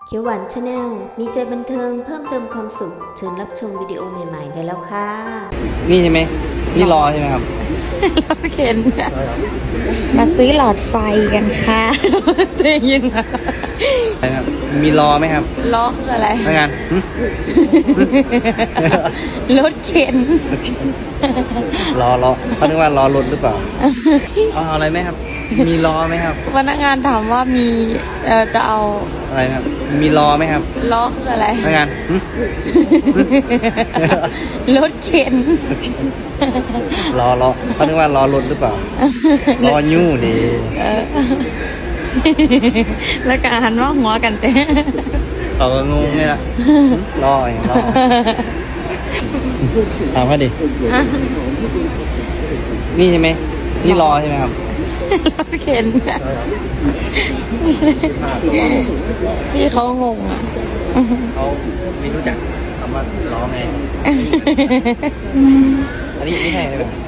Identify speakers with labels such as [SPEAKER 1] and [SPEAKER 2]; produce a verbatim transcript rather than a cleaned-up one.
[SPEAKER 1] เขียวหวานชาแนลมีใจบันเทิงเพิ่มเติมความสุขเชิญรับชมวิดีโอใหม่ๆได้แล้วค่ะ
[SPEAKER 2] นี่ใช่ไหมนี่รอใช่ไหมครับ
[SPEAKER 3] เราเข็นมาซื้อหลอดไฟกันค่ะได้ยินไหม
[SPEAKER 2] อะไรครับ มีรอไหมครับ
[SPEAKER 3] ล้อคืออะไร
[SPEAKER 2] ทำงานหึ
[SPEAKER 3] รถเข็น
[SPEAKER 2] รอรอเขาคิดว่ารอรถหรือเปล่าเอาอะไรไหมครับ มีรอไหมครับ
[SPEAKER 3] พนักงานถามว่ามีเอ่อจะเอา
[SPEAKER 2] อะไรครับ มีรอไหมครับ
[SPEAKER 3] ล้อคืออะไร
[SPEAKER 2] ทำงานหึ
[SPEAKER 3] รถเข็น
[SPEAKER 2] รอรอเขาคิดว่ารอรถหรือเปล่า รอยู่ดี
[SPEAKER 3] แล้วก็หันว่าหัวกันเต้
[SPEAKER 2] เขาก็งงนี่ละรออย่างรอถามเขาดินี่ใช่ไหมนี่รอใช่ไหมครับ
[SPEAKER 3] รถเข็นพี่เขางงอ่ะ
[SPEAKER 2] เขาไม่รู้จักคำว่ารอไง อันนี้ไม่ใช่ใช่ไหม